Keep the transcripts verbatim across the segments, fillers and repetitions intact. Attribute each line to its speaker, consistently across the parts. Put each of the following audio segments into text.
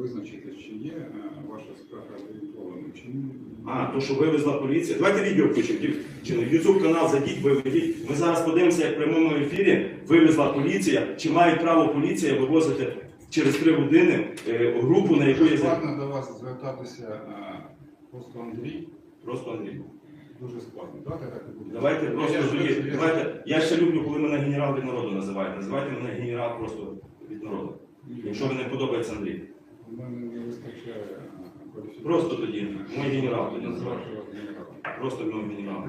Speaker 1: визначити, чи є ваша скарга орієнтованою, чи ні.
Speaker 2: А, то, що вивезла поліція. Давайте відео включимо. Ютуб канал зайдіть, виведіть. Ми зараз подивимося, як в прямому ефірі вивезла поліція, чи мають право поліція вивозити через три години е, групу, на яку є...
Speaker 1: Складно до вас звертатися а, просто Андрій.
Speaker 2: Просто Андрій.
Speaker 1: Дуже складно. Давайте так і буде.
Speaker 2: Давайте просто
Speaker 1: Я
Speaker 2: тоді.
Speaker 1: ж- я-
Speaker 2: Давайте. Я ще люблю, коли мене генерал від народу називають. Називайте мене генерал просто від народу. Якщо вам не подобається Андрій.
Speaker 1: У мене не вистачає а, кваліфікації.
Speaker 2: Просто тоді. Мой генерал тоді
Speaker 1: Називати
Speaker 2: називайте.
Speaker 1: вас генералом.
Speaker 2: Просто мій генерал.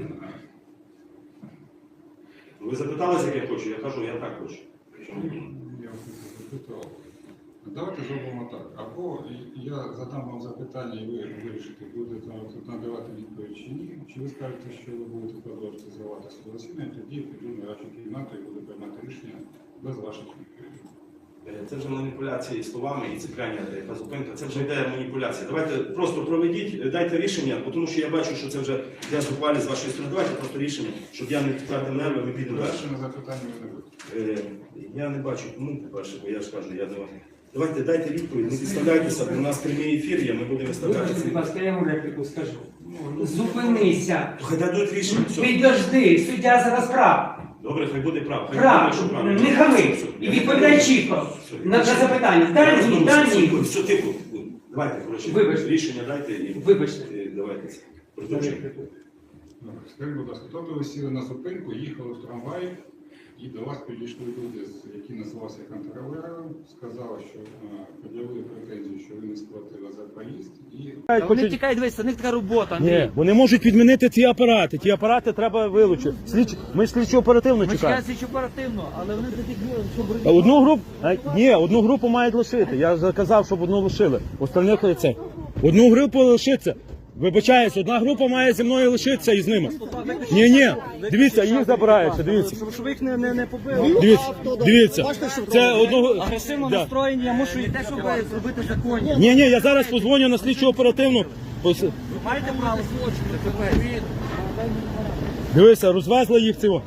Speaker 2: Ви запиталися, як я хочу? Я кажу, я так хочу.
Speaker 1: Я вас не запитав. Давайте зробимо так. Або я задам вам запитання, і ви вирішите, будете тут надавати відповідь чи ні. Чи ви скажете, що ви будете продовжувати зривати своє засідання, тоді піду на радшу кімнату і буду приймати рішення без ваших відповідей.
Speaker 2: Це вже маніпуляції словами і цепляння та зупинка. Це вже йде маніпуляція. Давайте просто проведіть, дайте рішення, тому що я бачу, що це вже я зухвалі з вашої сторони. Давайте просто рішення, щоб я не втратив нерви, ми підемо далі.
Speaker 1: Перше на запитання ви не будете.
Speaker 2: Е, Я не бачу, кому, по-перше, бо я ж кажу, я не вам. Давайте дайте відповідь, не підставляйтеся, бо у нас прямий ефір є, ми будемо
Speaker 3: Вибачте,
Speaker 2: виставляти.
Speaker 3: будь ласка, я вам репліку скажу. Зупинися.
Speaker 2: Хай дадуть рішення, все.
Speaker 3: Підожди, суддя зараз прав.
Speaker 2: Добре, хай буде прав. Хай
Speaker 3: Прав.
Speaker 2: буде, що правильно.
Speaker 3: Не хами.
Speaker 2: Все,
Speaker 3: І
Speaker 2: я-
Speaker 3: відповідай чітко на, на запитання. Дай
Speaker 2: Все,
Speaker 3: ні, дай ні.
Speaker 2: Все, тихо. Давайте, коротше,
Speaker 3: Вибачте.
Speaker 2: рішення дайте і
Speaker 3: Вибачте.
Speaker 2: і давайте. Продовжуємо.
Speaker 1: Добре. Скажіть, будь ласка, тобто ви сіли на зупинку, їхали в трамваї, і до вас підійшли люди, які називалися контролером, сказали, що а, пред'явили претензію, що ви не сплатили за проїзд, і
Speaker 4: Та Вони тікають, дивись, у них така робота, Андрій.
Speaker 5: Ні, вони можуть відмінити ці апарати. Ті апарати треба вилучити. Слідч... Ми слідчо оперативно
Speaker 4: Ми
Speaker 5: чекаємо.
Speaker 4: чекаємо слідчо оперативно, але вони до тих днів, щоб...
Speaker 5: Та Одну групу, а, ні, одну групу мають лишити. Я заказав, щоб одну лишили. Остальних це. Одну групу лишиться. Вибачаюсь, одна група має зі мною лишитися і з ними. Ні, ні, дивіться, їх забираються, дивіться.
Speaker 4: Щоб, щоб їх не, не, не побили.
Speaker 5: Дивіться, дивіться. Це одного.
Speaker 4: Агресивно
Speaker 5: Да.
Speaker 4: настроєні, я мушу йти, щоб зробити законні.
Speaker 5: Ні, ні, я зараз позвоню на слідчу оперативну. Ось,
Speaker 4: Маєте право злочини, тепер.
Speaker 5: дивися, розвезли їх цього.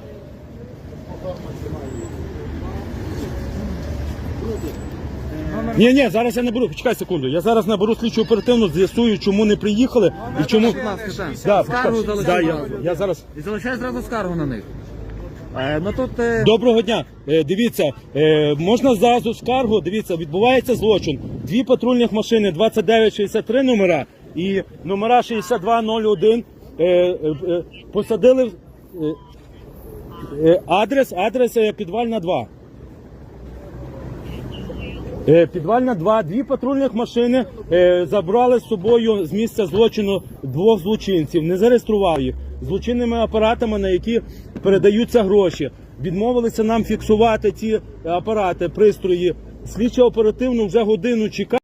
Speaker 5: Ні, ні, зараз я наберу, почекай секунду. Я зараз наберу слідчу оперативну, з'ясую, чому не приїхали і чому. Да,
Speaker 4: Скаргу
Speaker 5: почекай.
Speaker 4: залишай.
Speaker 5: Да, я, я зараз.
Speaker 4: І залишай зразу скаргу на них. Е, ну тут... Е...
Speaker 5: Доброго дня. Е, дивіться, е, можна зразу скаргу. Дивіться, відбувається злочин. Дві патрульних машини, двадцять дев'ять шістдесят три номера і номера шістдесят два нуль один е, е, е, посадили в- е, е, адрес, адрес е, Підвальна два. Е, Підвальна два, дві патрульних машини е, забрали з собою з місця злочину двох злочинців, не зареєстрував їх злочинними апаратами, на які передаються гроші. Відмовилися нам фіксувати ці апарати, пристрої. Слідчо оперативно вже годину чекає.